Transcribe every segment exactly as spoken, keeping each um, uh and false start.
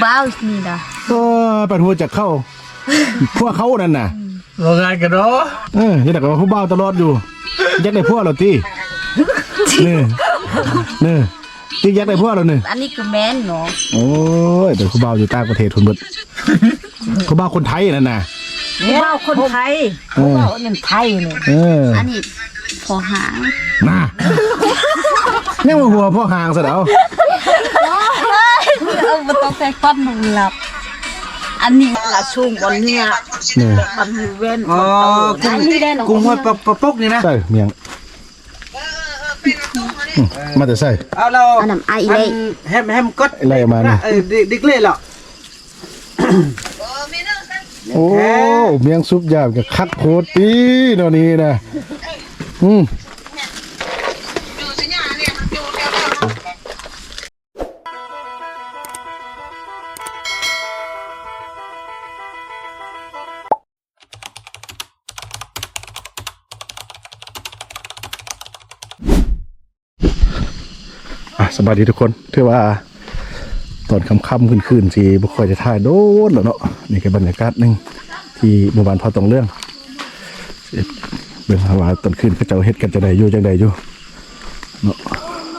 บ้านี่นะก็ปัดหัวจากเข้าพวกเขานั่นน่ะโรงงานกันเนาะเออนี่แต่ก็ผู้บ่าวตลอดอยู่ยักได้พวกเราตีนี่นี่ที่ยักได้พวกเราเนี่ยอันนี้คือแม่นเนาะโอ้ยแต่ผู้บ่าวอยู่ต่างประเทศทุนเบิดผู้บ่าวคนไทยนั่นน่ะผู้บ่าวคนไทยผู้บ่าวเป็นไทยเลยอันนี้พอหางน่ะนี่มันหัวพ่อหางซะแล้วเออมันต้องใส่ก้อนมึงหลับอันนี้ละชุ่มบนเนี่ยมันเว้นอ๋อกุ้งหัวปะปุ๊กนี่นะใช่เมียงมาแต่ใส่เอาเราอันนั้นไอเล่แฮมแฮมก็ไล่มาเนี่ยเออดิกเล่หรอโอ้เมียงซุปยามกับคักโคตรตีเนาะนี่นะอืมสบายดีทุกคนถือว่าตอนค่ำๆคืนๆที่บุคคลจะถ่ายโดนแล้วเนาะนี่คือบรรยากาศหนึ่งที่หมู่บ้านพอตรงเรื่องเบื้องว่าตอนคืนเขาเจ้าเฮ็ดกันจะได้อยู่จังใดอยู่เนาะ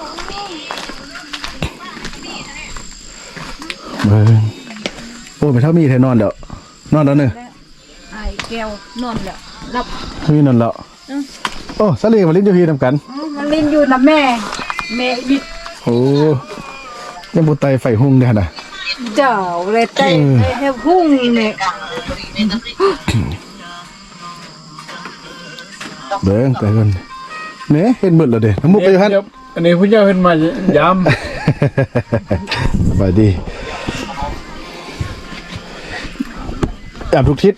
เบิ่งโอ้ไม่เท่ามีแท้นอนแล้วนอนแล้วเนอะไอ้แก้วนอนแล้วรับมีนอนแล้วโอ้สลีมาลิ้นอยู่พี่ทำกันมันลิ้นอยู่นะแม่แม่บิดโอ้ยังบุไตไฟหุ่งเนี่ยนะเจ้าเลยไตให้หุ่งเนี่ยเบิ่งแต่คนเนี่ยเห็นหมดเลยเด้น้ำมุกไปอยู่ฮั่นอันนี้ผู้เจ้าเห็นมายำสบายดีแอบทุกทิศ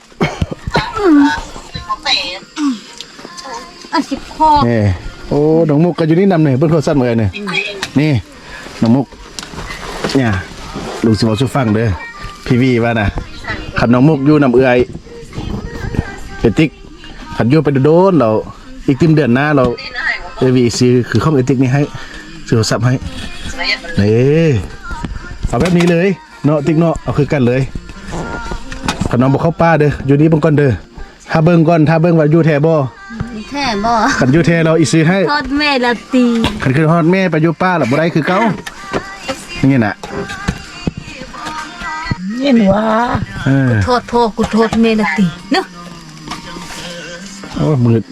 อันสิบข้อนี่โอ้น้องมุกก็อยู่นี่นำเนี่ยเบิ่งโทรศัพท์เหมือนเนี่ยนี่น้องมุกเนี่ยลุงสิบอกช่วยฟังเด้อพี่วีว่านะขันน้องมุกอยู่นำเอื้อยเป็นติ๊กขันอยู่ไปโดนเราอีกติมเดือนหน้าเราเอวีซื้อคือข้องเอติ๊กนี่ให้ซื้อโทรศัพท์ให้นี่เอาแบบนี้เลยเนาะติ๊กเนาะเอาคือกันเลยขันน้องบอกเข้าป้าเด้ออยู่นี่เบิ่งก่อนเด้อถ้าเบิ่งก่อนถ้าเบิ่งว่าอยู่แท้บ่แท้บ่ขันอยู่แท้เราอีซื้อให้ทอดแม่ละตีขันคือทอดแม่ไปอยู่ป้าหรอบ่ได้คือเก่านี่น่ะเห็นว่ากูโทษพ่อกูโทษแม่ละตีเนาะโอ้มืด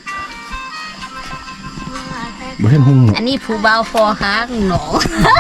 บ่เห็นหุ่งอันนี้ผู้บ่าวพอหางหนอ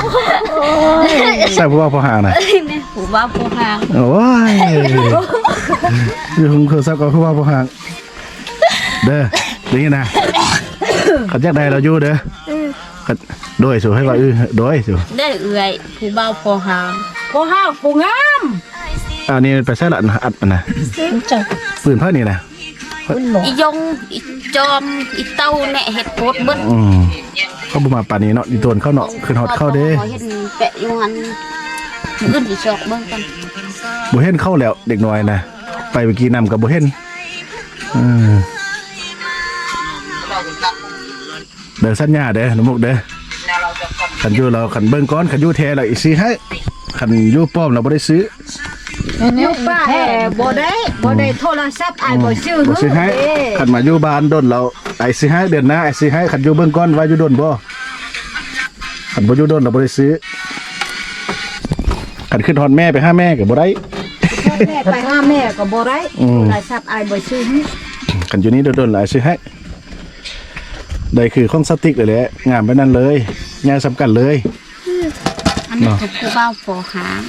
ใส่ผู้บ่าวพอหางน่ะนี่ผู้บ่าวพอหางโอ้ยอยู่หุ่งคือซักกับผู้บ่าวพอหางเด้อนี่นะขัดยักได้เราอยู่เด้อขัดโดยสู่ให้ว่าอื้อโดยสู่ได้เอื่อยผู้บ่าวพอหางพอหางผู้งามอันนี้ไปใส่ละอัดมันนะปืนผ้านี่นะอียงอีจอมอีเต้าแหน่เห็ดโคตรเบิ้ลเขาบุมาป่านนี้เนาะดีโดนเข้าเนาะคือฮอตเข้าเด้เห็นแปะอยู่หันขึ้นอีชอกเบิ้งกันบุเห็นเข้าแล้วเด็กน้อยนะไปเมื่อกี้นำกับบุเห็นเดินสัญญาเด้อน้ำมุกเด้อขันยูเราขันเบิ้งก้อนขันยูแทเราอีซื้อให้ขันยูป้อมเราไม่ได้ซื้อยูป้าแห่บ่ได้บ่ได้โทรศัพท์ไอ้บ่ซื้อบ่ซื้อให้ขันมายูบ้านดนเราไอ้ซื้อให้เดือนหน้าไอ้ซื้อให้ขันยูเบิ้งก้อนว่ายูดนบ่ขันบ่ยูดนเราไม่ได้ซื้อขันขึ้นทอนแม่ไปห้าแม่กับบ่ได้แม่ไปห้าแม่กับบ่ได้โทรศัพท์ไอ้บ่ซื้อให้ขันยูนี้โดนๆหลายซื้อให้ได้คือข้องสติ๊กเลยแหละงานไปนั่นเลยงานสำคัญเลยอันนี้คือผู้บ่าวพอหาง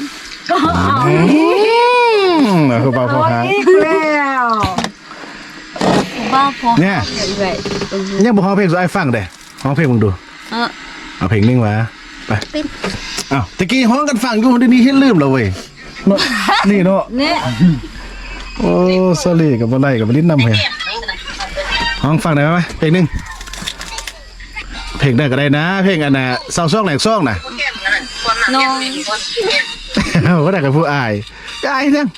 ผู้บ่าวพอหางแล้วผู้บ่าวพอเนี่ยยังบอกเพลงสุดไอ้ฟังเด้ห้องเพลงมึงดูเออเอาเพลงนึงวะไปอ้าวตะกี้ห้องกันฟังอยู่เดี๋ยวนี้เห็นลืมแล้วเว้ยนี่เนาะเนี่ยโอ้สลีกับอะไรกับลิ้นนำเหรอห้องฟังได้ไหมเพลงนึงเพลงได้ก็ได้นะเพลงอันน่ะเศร้าซ่องแหลกซ่องน่ะน้องเขาก็ได้กับผู้อายก็อายจัง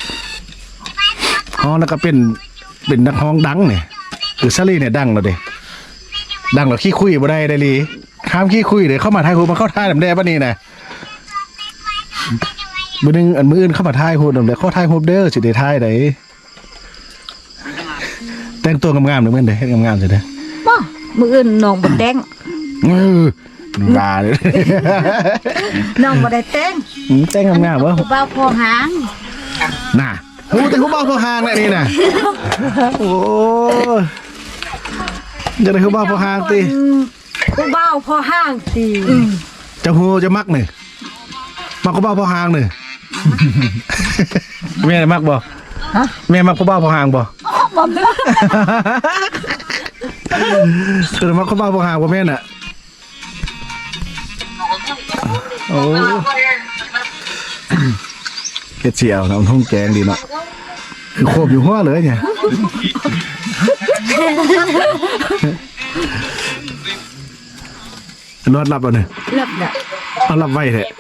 ห้องแล้วก็เป็นเป็นนักห้องดังเนี่ยคือซารีเนี่ยดังแล้วเด้ดังแล้วขี้คุยบ่ได้ได้ลีข้ามขี้คุยเดี๋ยวเข้ามาทายหูมาเข้าท่าแบบแดงป่ะนี่นะมื้อนึงอันมื้ออื่นเข้ามาถ่ายโหดนำได้ขอถ่ายโฮปเด้อสิได้ถ่ายได้แต่งตัวงามๆเด้อมื้อเด้เฮ็ดงามๆสิเด้อบ่มื้ออื่นน้องบ่แต่งเออบ้าเลยน้องบ่ได้แต่งอืมแต่งงามๆบ่ผู้บ่าวพอหางน่ะโอ้แต่ผู้บ่าวพอห่างแหละนี่น่ะโอ้ยจะได้ผู้บ่าวพอห่างติผู้บ่าวพอหางติจะฮู้จะมักนี่มักผู้บ่าวพอห่างนี่ แม่มักบ่ฮะแม่มักผู้บ่าวพอห่างบ่บ่แม่คือมักผู้บ่าวพอห่างบ่แม่นน่ะโอ้เฮ็ดเสียวน้ำทุ่งแกงดีเนาะคือโคบอยู่หัวเลยเนี่ยรอดรับเอาเนี่ยเลิกแล้วเอารับไว้แท้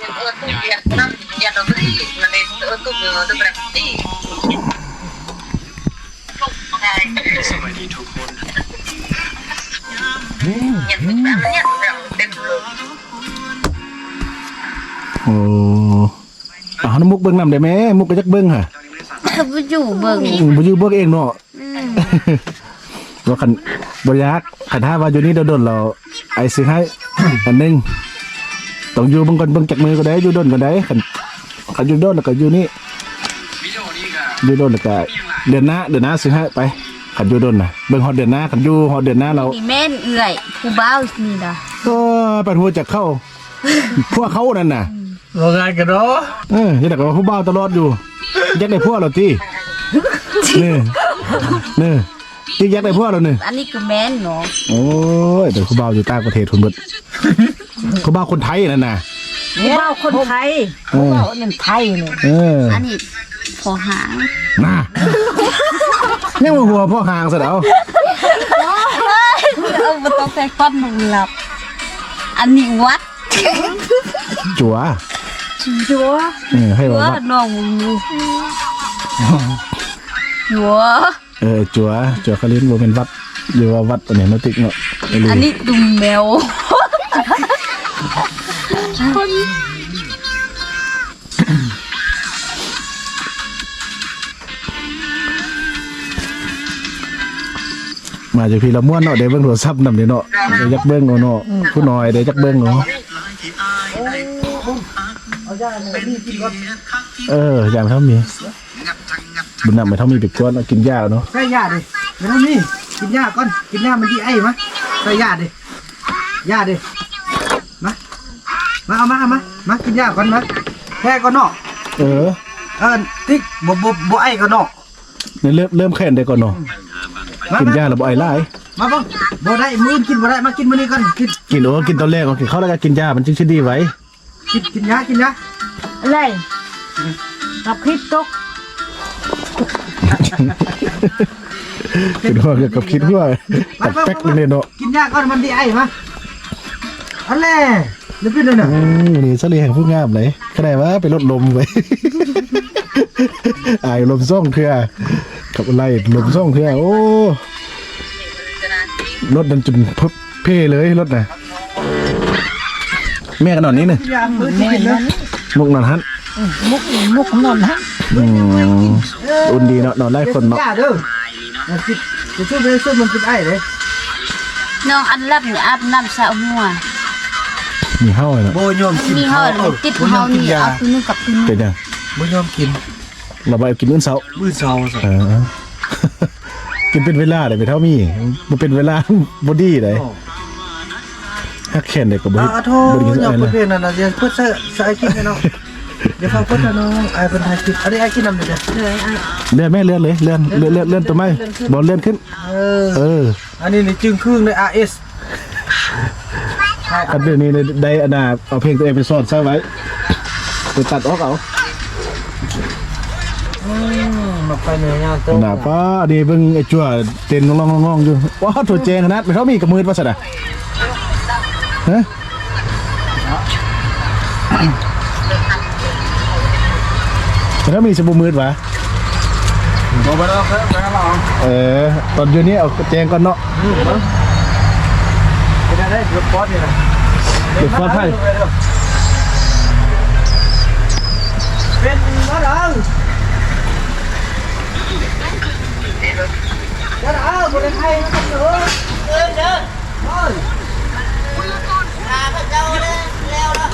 โอ้เอาน้ำมุกเบิ่งนำได้ไหมมุกก็จักเบิ่งค่ะบ่อยู่เบิ่งอืมบ่อยู่เบิ่งเองเนาะว่าคันบ่อยากคันถ้าว่าอยู่นี่โดนๆเราไอ้สิให้ อันหนึงต้องอยู่เบิ่งก่อนเบิ่งจักมือก็ได้อยู่โดนก็ได้คันคันอยู่โดนแล้วก็อยู่นี่อยู่โดนแล้วก็เดือนหน้าเดือนหน้าสิให้ไปคันอยู่โดนน่ะเบิ่งฮอดเดือนหน้าคันอยู่ฮอดเดือนหน้าเรานี่แม่นเอื้อยผู้บ่าวนี่ล่ะก็ปัดหัวจักเข้า พวกเขานั่นน่ะว่าไงกันเนาะเออยังแต่ก็ผู้บ่าวตลอดอยู่ยักได้พวกเราที่นี่นี่ที่ยักได้พวกเราเนี่ยอันนี้คือแม่นเนาะโอ้ยแต่ผู้บ่าวอยู่ต่างประเทศทุนเบิดผู้บ่าวคนไทยนั่นน่ะผู้บ่าวคนไทยเออบ่าวนั่นไทยเนี่ยเอออันนี้พอหางน่ะยังมาหัวพ่อห่างซะแล้วเออบ่ต้องใส่ฟันมันหลับ อันนี้วัดจัวจัวเออให้ว่าว่าวัดน้องอยู่จัวเออจัวจัวคาลินบ่เป็นวัดหรือว่าวัดอันนี้นติกเนาะไม่รู้อันนี้ดุมแมวมาจากพี่ละม่วนเนาะเดี๋ยวเบิ่งโทรศัพท์นำเด้เนาะเดี๋ยวยักเบิ่งเอาเนาะผู้น้อยเดี๋ยวยักเบิ่งเนาะเอออย่างเท่ามีบุญนำไปเท่ามีไปกวนเอากินยาเนาะใส่ยาดิเดี๋ยวนี่กินยาก่อนกินยามันดีไอ้มะใส่ยาดิยาดิมามาเอามาเอามามากินยาก่อนมาแพ้ก่อนเนาะเออเออติ๊กบ่บ่บ่ไอ้ก่อนเนาะเนี่ยเริ่มเริ่มแค้นได้ก่อนเนาะกินยาแล้วบ่ไอ้หลายมาบ้างบ่ได้มื้อกินบ่ได้มากินมื้อนี้ก่อนกินกินโอ้กินตอนแรกก่อนกินข้าวแล้วก็กินยามันจึงสิดีไว้กินกินยากินยาอะไรกับคลิปตกคิดว่าเกี่ยวกับคิดว่ากับแป๊กเลยเนาะกินยาก่อนมันดีไอ้มาอันแหละเดี๋ยวเป็นเลยน่ะอืมนี่เสลีแห่งผู้งามเลยก็ได้ว่าไปลดลมไว้ อายลมซ่องเถื่อกับอะไรลมซ่องเถื่อโอ้รถดันจนเพิบเพ่เลยรถน่ะแม่กันนอนนี้เนี่ยยามื้อกินเลยมุกนอนฮันมุกมุกนอนฮะอืมอุ่นดีเนาะนอนไล่คนเนาะยาเด้อมากินจะช่วยไปช่วยมันกินไอ้เลยน้องอันรับนี่อาบน้ำสระหัวมีเฮ้าเลยเนาะโบยอมกินมีเฮาเลยติดเฮานี่เอาตัวนึงกับตัวนึงเป็นยังโบยอมกินเราไปกินมื้อเช้ามื้อเช้าซะเออ กินเป็นเวลาเลยไปเท่ามีมันเป็นเวลา บอดี้เลยฮักแขนเด็กกับบ่อ่าโทษบ่ได้กินอย่าอะไรพูดนะเพลงนั่นน่ะเดี๋ยวเพิ่นใส่ใส่กินให้น้องเดี๋ยวฟังเพิ่นนะน้องไอ้เพิ่นถ่ายคลิปอันนี้ไอ้กินนำเด้อเลยอ่ะเลื่อนแม่เลื่อนเลยเลื่อนเลื่อนเลื่อนเลื่อนตัวไม้บอลเลื่อนขึ้นเออเอออันนี้นี่จึงครึ่งใน อาร์ เอสกันเดี๋ยวนี้ได้อนาเอาเพลงตัวเองไปซ่อนซะไว้ไปตัดออกเอาอืมมาไปเหนื่อยงานโตหน้าป้าดีเบิ่งไอ้จั่วเต้นงองๆๆอยู่ว้าวถั่วแจงขนาดไปเท่ามีกับมือว่าซั่นน่ะฮะแต่ถ้ามีสบู่มืดวะบ่บ่แล้วครับแล้วลองเออตอนอยู่นี่เอาแจงก่อนเนาะเป็นได้เดี๋ยวปอดนี่นะเดี๋ยวฟาดให้เป็นมาดังมาดังคนไทยนะครับเด้อเดินเดินเฮ้ยอาพระเจ้าเลยแล้วล่ะ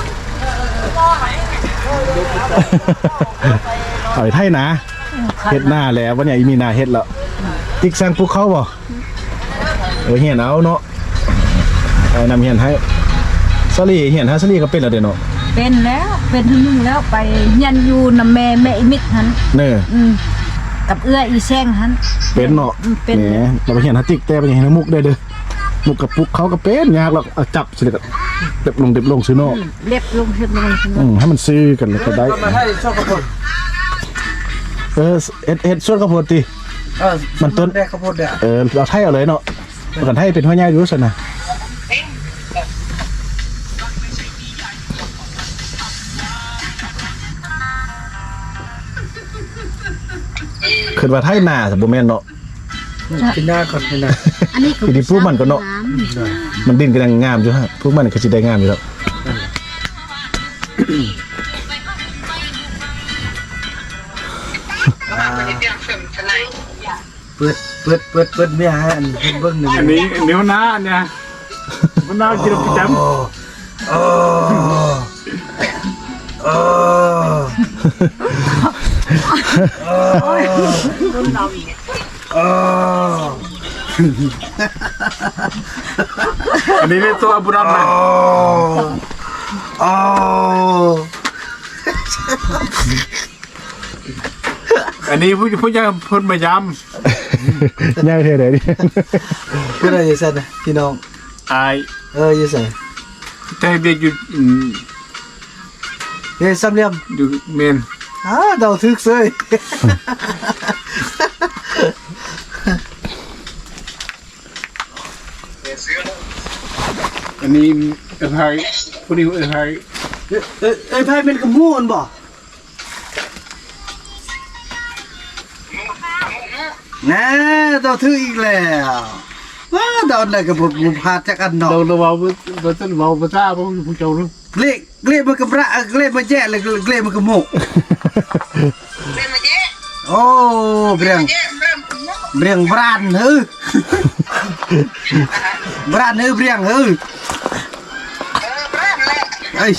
เอาไทยนะเฮ็ดหน้าแล้ววันนี้มีหน้าเฮ็ดแล้วติ๊กสั่งพวกเขาบ่เออเฮียนเอาเนาะไอ้นำเฮียนให้สลีเฮียนฮะสลีก็เป็นแล้วเด้เนาะเป็นแล้วเป็นทั้งนึงแล้วไปยันอยู่นำแม่แม่อีมิดหันเน้ออืมกับเอื้ออีแซงหันเป็นเนาะเป็นแหมเราไปเฮียนฮะติ๊กแต่ไปเฮียนมุกได้เด้อมุกกับปุกเขาก็เป็นยากหรอกเอาจับสิก็เด็บลงเด็บลงซื้อเนาะเล็บลงเฮ็ดลงใช่ไหมอืมให้มันซื้อกันแล้วก็ได้มาให้ชอบกระพุนเออเอ็ดเอ็ดส่วนข้าวโพดติเออมันต้นได้ข้าวโพดเด้อเออเราไทยเอาเลยเนาะประกันไทยเป็นหัวใหญ่อยู่ซั่นน่ะขึ้นว่าไทยหน้าแต่บ่แม่นเนาะกินหน้าก่อนกินหน้าอันนี้คือที่พวกมันก็เนาะมันดินก็ยังงามอยู่ฮะพวกมันก็สิได้งามอยู่แล้วเปิดเปิดเปิดเปิดเมียฮะอันเพิ่นเบิ่งหนึ่งอันนี้เนื้อหน้าเนี่ยมันน่ากินประจำโอ้โอ้โอ้อันนี้เป็นตัวบุรันมันโอ้อันนี้ผู้ผู้ยังพ้นมายย่างเท่าไหร่ดิเพื่อนอะไรสั่นนะพี่น้องำอายเออยี่สั่นแต่เด็กอยู่อืมเฮ้ยซ้ำเลี่ยมอยู่เมนอ้าเดาทึกเซยอันนี้เอ้ยผู้นี้เอ้ยเอ้ยเอ้ยไพ่เป็นกระมูนบ่น่าเดาทึกอีกแล้วว้าเดาได้กับผมผมพาจากอันเนาะเราเราเราเราต้องเราภาษาพวกผู้เจ้าเนาะเกล็ดเกล็ดมันกระระเกล็ดมันแย่เลยเกล็ดมันกระมุกโอ้เบรียงเบรียงบรานเฮ้ยบรานเฮ้ยเบรียงเฮ้ยเอ้ย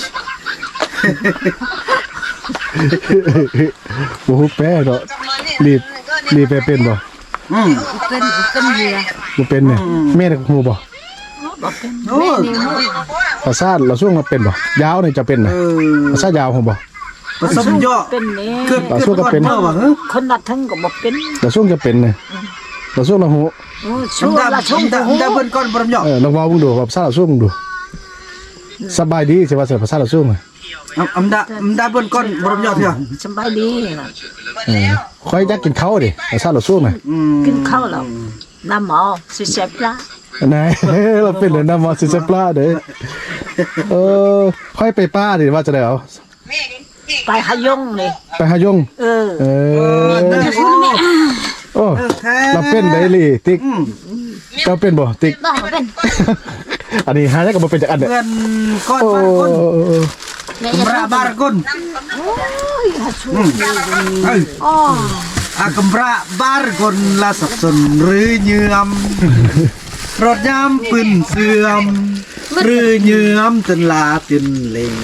โอ้โหแป้เนาะรีบรีบไปเป็นบ่อืมเป็นเป็นเรือบ่เป็นเนี่ยแม่น่ะฮู้บ่โอ้ภาษาเราช่วงมาเป็นบ่ยาวนี่จะเป็นน่ะเออภาษายาวฮู้บ่ผสมย่อเป็นนี่เกิดเราสู้กับเป็นเมื่อวะเฮ้ยคนนัดทั้งก็บอกเป็นเราช่วงจะเป็นน่ะเราช่วงเราฮู้โอ้ชั่วดำละดำชั่วดำดำเบิ้ลก้อนบรมย่อเออลองเว้ามึงดูว่าภาษาเราช่วงมึงดูสบายดีสิว่าภาษาเราช่วงอ่ะอำดาอำดาเบิ้ลก้อนบรมย่อเถอะสบายดีเออค่อยอยากกินข้าวดิภาษาเราช่วงน่ะอืมกินข้าวแล้วน้ำหมอสิเสพละนาย เราเป็นเลยนะมอสิเซปลาเด้อเออค่อยไปป้าดิว่าจะได้เอาไปหายงเลยไปหายงเออเออเด้อโอ้โอ้เราเป็นได้ลี่ติ๊กอืมเราเป็นบ่ติ๊กต้องเป็นอันนี้หาได้ก็บ่เป็นจากอันเนี่ยเพื่อนก้อนโอ้บารก้นแม่กำราบารก้นโอ้ยหาชั่วเอ้ยอ๋ออากำราบารก้นละสับสนหรือเยื่อมรถยามปืนเสื่อมหรือเยื่อมจนลาตินเลง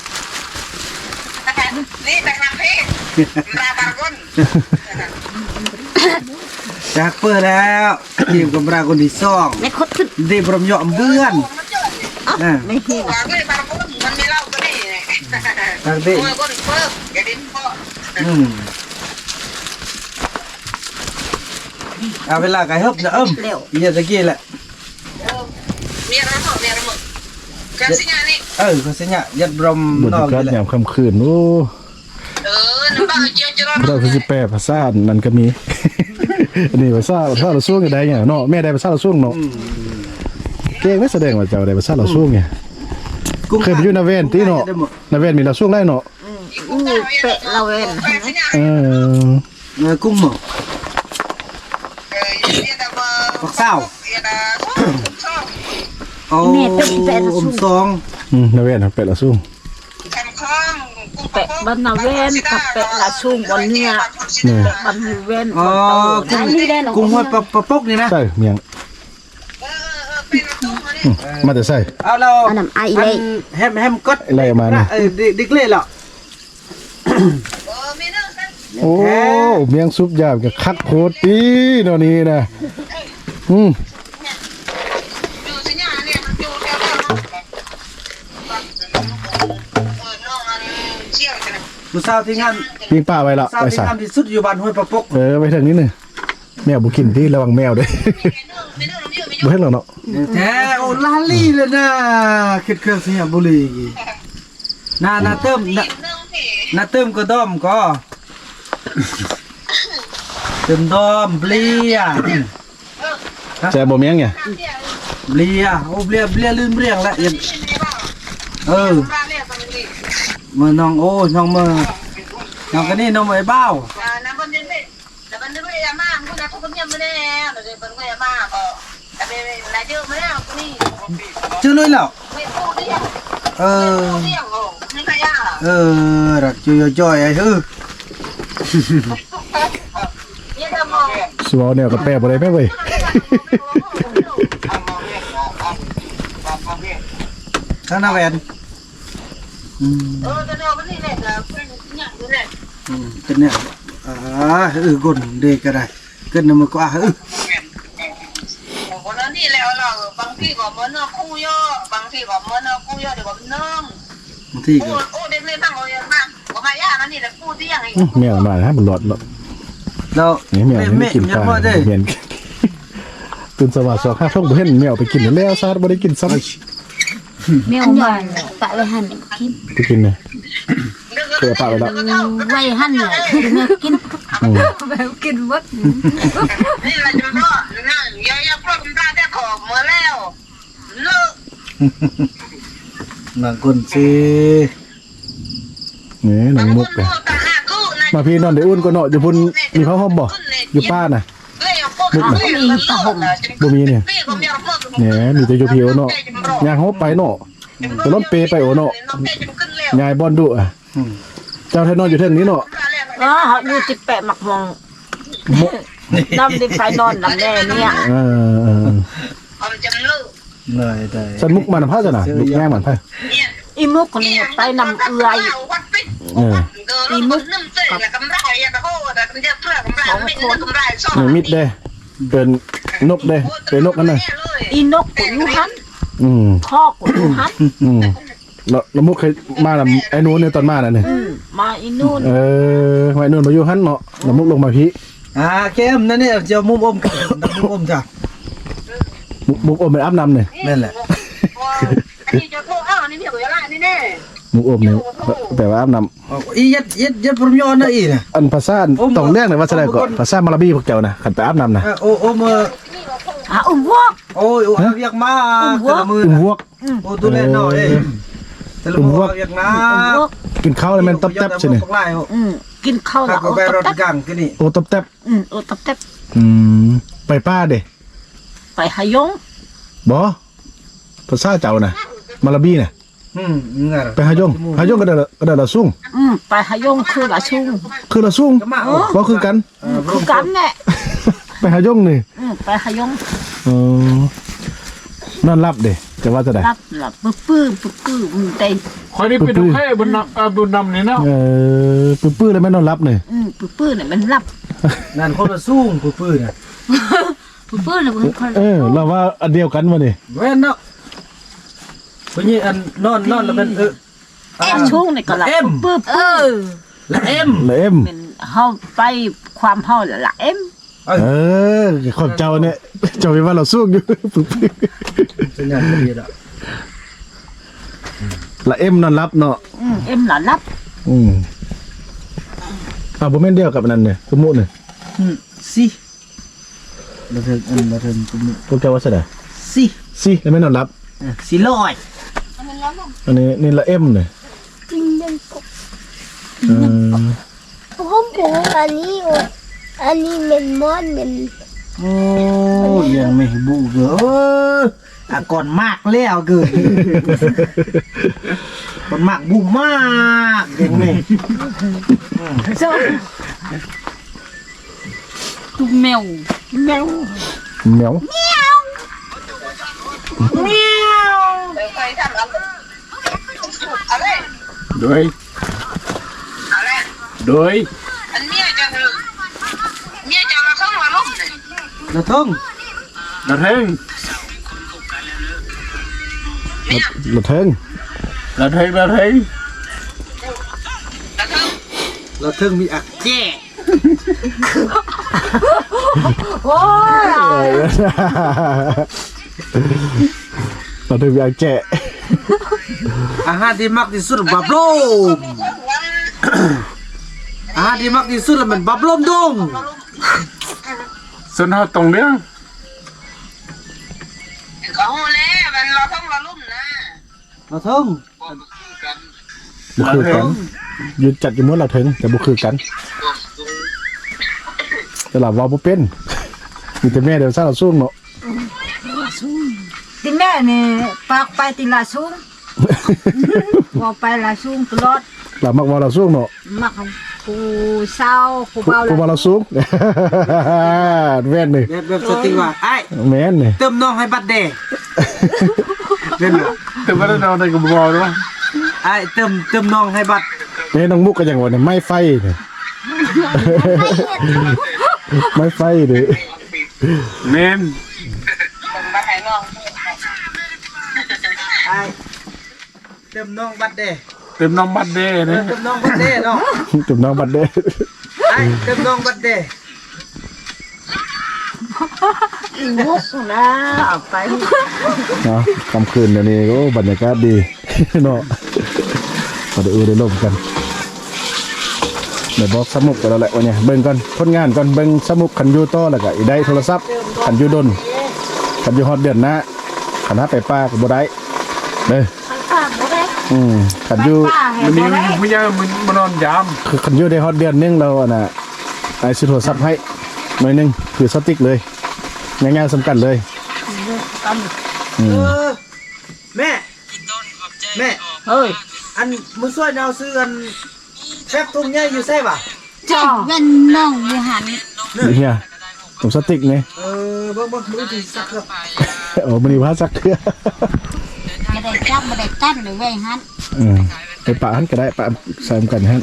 นี่แต่งเพลงลาบารกุนจากเปิดแล้วทีมกำราคนที่สองไม่คดขึ้นดีบรมยอมเบื้อนนะไม่เห็นหวังเลยบารกุนมันมีเหล้าตัวนี้ทางเด็กเมื่อคนเพิ่มแกดินพ่ออืมเอาเวลาไก่ฮึบนะเอิ่มอย่าตะกี้แหละเมียระเบิดเมียระเบิดกันสิงานี่เออเขาเสียเนี่ยยัดบรมบรรนอกยากาศนี่แหละยามค่ำคืนโอ้เออน้ำบ้าเจียวจะร้อนเราคือสิแปลภาษานั่นก็มี อันนี้ภาษาภาษาเราช่วงก็ได้เนี่ยเนาะแม่ได้ภาษาเราช่วงเนาะเก่งไม่แสดงว่าเจ้าได้ภาษาเราช่วงไงเคยไปอยู่นาเวนที่เนาะนาเวนมีเราช่วงได้เนาะอู้เปะเราเองกันสิงาเออเนื้อกุ้งหมกเออเยี่ยแต่ว่าปักเศร้าเยี่ยแต่ชอบโอ้อมซองอืมนาเวนเป็ดเราช่วงแคมคล้องกุ้งปปะบ้านนาเวนกับแปะละชุ่มบนเนี่ยนี่บ้านเวนอ๋อกุ้งกุ้งหัวปลาปลาปกนี่นะใส่เมียงอืมมาแต่ใส่เอาเราอันนั้นไอเล่แฮมแฮมกดอะไรมานี่เออดิกเล่เหรอโอ้เมียงซุปยามกับคักโคตรดีเนาะนี่นะอืมอยู่ที่เนี่ยเนี่ยมันอยู่แถวเออน้องอันเชี่ยวกันนะผู้สาวที่งานปิ้งป้าไว้ละสาวไปที่ใส่งานที่สุดอยู่บ้านห้วยปลาปกเออไปทางนี้หนึ่งแมวบุกินที่ระวังแมวเด้ บุให้เราเนาะแท้โอ้ลาลี่เลยนะคิดเครื่องเสียบุหรี่น่าน่าเติมน่าน่าเติมก็ดอมก็เติมดอมเบลียแซ่บบ่เมียงเนี่ยเบลียโอ้เบลียเบลียลืมเรียงละยังเออมือน้องโอ้น้องมือน้องกันนี่น้องมือไอ้เบ้าน้ำมันเย็นเลยแต่มันนึกว่าจะมาคุณนะทุกคนยังไม่ได้เดี๋ยวเป็นว่าจะมาก็แต่เป็นอะไรเยอะไม่ได้คุณนี่เจอเลยแล้วไม่พูดเรื่องเออเรื่องโอ้ไม่ใช่ยากเออรักจุยจ่อยไอ้เออเนี่ยจะมองสวอเนี่ยก็แปรบ่ได้แม่เว้ยข้างหน้าแวนอืมเออจะเดินวันนี้แหละจะเป็นอย่างนี้แหละอืมเป็นเนี่ยอ่าเออกดเด็กก็ได้เกินน้ำมือก็อ่ะเออวันนั้นนี่แล้วเราบางทีก็เหมือนคู่ย่อบางทีก็เหมือนคู่ย่อเดี๋ยวก็น้องบางทีโอ้ก็โอ้เด็กเลยบ้างโอ้ยังบ้างก็มายากนั่นนี่แหละคู่ที่ยังไงอื้อแมวมานะมันหลอดเนาะแล้วนี่แมวแม่นี่แม่กินยังปลาบ่ได้เมียนตื่นสว่างสองห้าช่องบ่เห็นแมวไปกินแล้วซาดบ่ได้กินซ้ำแมวบ้านปะไว้หั่นกินไปกินเลยเคยปะไปแล้วไว้หั่นเลยคือแม่กินอืมแบบกินวัดนี่แหละจะรอดนะอย่าอย่าพลาดตาแต่ขอเมื่อแล้วเลิกบางคนสินี่หนังมุกเลยมาพี่นอนได้อุ่นก็เนาะอยู่พุ่นมีผ้าห่มบ่อยู่ป้าน่ะบ่มีเนี่ยเนี่ยมีแต่อยู่พี่โอเนาะยางโฮไปเนาะแต่ล้นเปไปโอเนาะยายบอนดุอ่ะเจ้าไทยนอนอยู่เทิงนี้เนาะอ๋ออยู่จิแปะหมักมองมน้ำได้ไปนอนน้ำแน่เนี่ยเออเออเหนื่อยได้สันมุกมันผ้าจ้ะน่ะลูกแง่มันผ้าอีมุกคนนี้ไปนำเอื้อยเอออีมุกน้ำเจ๊ละกำไรอะแต่โหแต่มันจะเพื่อกำไรไม่ได้กำไรซ่อนนี่มิดเด้เป็นนกเด้เป็นนกนั่นน่ะอีนกกูอยู่หันอืมพ่อกูอยู่หันอืมแล้วแล้วมุกเคยมานํไอ้นู้นเนี่ยตอนมาน่ะนี่มาอีนู่นเออไว้นู่นมาอยู่หั่นเนาะแล้วมุกลงมาพี่อ่าเข้มนั่นเนี่ยจะมุมอมกันมุมอมจ้ะมุกมุกอมเป็นอาบน้ำเนี่ยนั่นแหละอันนี้จะโทรอ้าวนี่เดี๋ยวจะละนี่แน่มุกอมเนี่ยแปลว่าอาบน้อ๋ออียัดยัดยัดพรมยอนนะอีน่ะำอันภาษาต้องเรียกหน่อยว่าแสดงก่อนภาษามาลาบีพวกเจ้านะขันไปอาบน้ำนะเออโอ้โอ้มืออ่ะอุ้มวอกโอ้ยโอ้ยเรียกมาแต่ละมืออุ้มน่ะวกโอ้ตัวเล่นหน่อยแต่ละมือเรียกนะอุ้มวอกกินข้าวแล้วมันตับแตบใช่ไหมอืมกินข้าวถ้าแล้วก็โอ้ไปรตัถบแตบกังกันนี่โอ้ตับแตบอืมโอ้ตับแตบอืมไปป้าเด้ไปหายงบอภาษาเจ้านะมาลาบีน่ะอืมงั้นไปหายงหายงก็ได้ก็ได้ละสุ่งอืมไปหายงคือละชุ่มคือละสุ่งก็มาบ่คือกันคือกันแหละไปหายงนี่อืมไปหายงอ๋อนอนรับเด้จะว่าจะได้รับหลับปื้อปื้อปื้อปื้อมันเต็มคอยนี่เป็นโอเคบนนำเอ่อบนนำนี่เนาะเออปื้อๆแล้วไม่นอนรับเนี่ยอืมปื้อปื้อเนี่ยมันรับนั่นคนละสู้ปื้อๆน่ะปื้อปื้อเนี่ยมันคนเออเราว่าอันเดียวกันมาเนี่ยแม่นเนาะเพราะนี่อันนอนนอนแล้วเป็นเออเอ็มชุ่งเนี่ยก็ละเอ็มปื้อปื้อและเอ็มแล้วเอ็มเป็นเฮาไปความเฮาละละเอ็มเออของเจ้าเนี่ยเจ้าเป็นว่าเราสู้อยู่ ปื้อเป็นอย่างนี้ละๆละเอ็มนอนรับเนาะอืมเอ็มละรับอืมอ่าบ่แม่นเดียวกับอันนั้นเนี่ยสมมุติเนี่ยอืมสิมาเถิงอันมาเถิงกุมพวกเจ้าว่าซะได้สิสิแล้วไม่นอนรับสิลอยอันนี้นี่ละเอ็มเนี่ยจริงจังปกเออผมผมอันนี้อ่ะอันนี้เป็นมอนเป็นโอ้ยังไม่บูเด้ออ่ะก่อนมากแล้วเกินก่อนมากบุ้มมากอย่างนี้ทุกแมวแมวเหนียวเคยทำอะไรอะไรโดยอะไรโดยอันเมียจะคือเมียจะมาเข้ามาลุ่มเลยนะทุ่งกระเทงรถเทิงกระเทงกระเทงแล้วก็เราทุ่งมีอักแจ้โอ้ยรถเทิงมีอักแจะอาหารที่มักที่สุดบับลมอาหารที่มักที่สุดแล้วมันบับลมดงส่วนเขาตรงเนี้ยก็หูแล้วมันเราต้องมาลุ่มนะเราทุ่งบุคือกันหยุดจัดอยู่เมื่อเราถึงแต่บุคือกันแต่เราว่าบ่เป็นมีแต่แม่เดี๋ยวซาเราสู้เนาะติแม่นี่ปากไปติลาสูงว่าไปลาสูงตลอดเรามักว่าเราสู้เนาะมักผู้เศร้าผู้เบากูว่าเราสู้ แม่นนี่แบบแบบสติว่าไอ้แม่นนี่เติมน้องให้บัดเดย์เป็นบ่แต่ว่าเราในกระบอกด้วยไอ้เติมเติมน้องให้บัดแม่น้องมุกก็อย่างว่าเนี่ยไม่ไฟนี่ ไม่ไฟดิเน้นมันมาให้น้องไอ้เติมน้องบัดเดย์เต็มน้องบัดเด้นะเติมน้องบัดเดย์เนาะจุดน้องบัดเด้ไอ้เติมน้องบัดเดย์มุกนะเอาไปเนาะกลางคืนเดี๋ยวนี้โอ้บรรยากาศดี เนาะก็ได้เออได้ลมกันเดี๋ยวบอกสมุกกันแล้วแหละวันนี้เบิ่งก่อนผลงานก่อนเบิ่งสมุกขันอยูต่อแล้วก็อีได้โทรศัพท์ขันอยูดนขันอยูฮอดเดือนหน้าขันหาไปป้าก็บ่ได้เด้อป้าบ่ได้อืมขันอยูมันนี้ไม่ใช่มันมันนอนยามคือขันอยูได้ฮอดเดือนหนึงเราอะน่ะไอ้ซื้อโทรศัพท์ให้หน่อยหนึงคือสติ๊กเลยง่ายๆสำคัญเลยอืเอมอแม่แม่เฮ้ยอันมึงช่วยเอาซื้ออันแฟบทุ่งใหญ่อยู่ใช่ป่ะจ้าเป็นน้องอยู่หันนี่เฮียผมสติ๊กนี่เออเบิ่งเบิ่งมือถือสักเครื่องโอ้มันนี่ว่าสักเครือไม่ได้จับไม่ได้ตัดเลยเว้ยฮันอืมไปปะหันก็ได้ปะใส่กันฮัน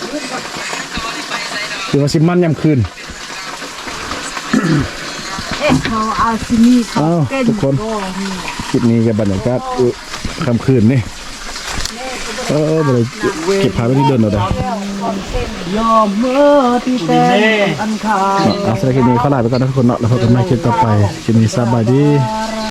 คือว่าสิมันยามคืนเอ๊ะเขาเอาที่นี่เขาอ้าวเต้นทุกคนโอ้โหคลิปนี้กับบรรยากาศอุ๊ยค่ำคืนนี่เออบ่ได้เก็บภาพไว้ที่เดินเราได้ยอมเมื่อที่แต่อันขาดเอาสำหรับคลิปนี้ขอลาไปก่อนนะทุกคนเนาะแล้วพบกันใหม่คลิปต่อไปคลิปนี้สบายดีเ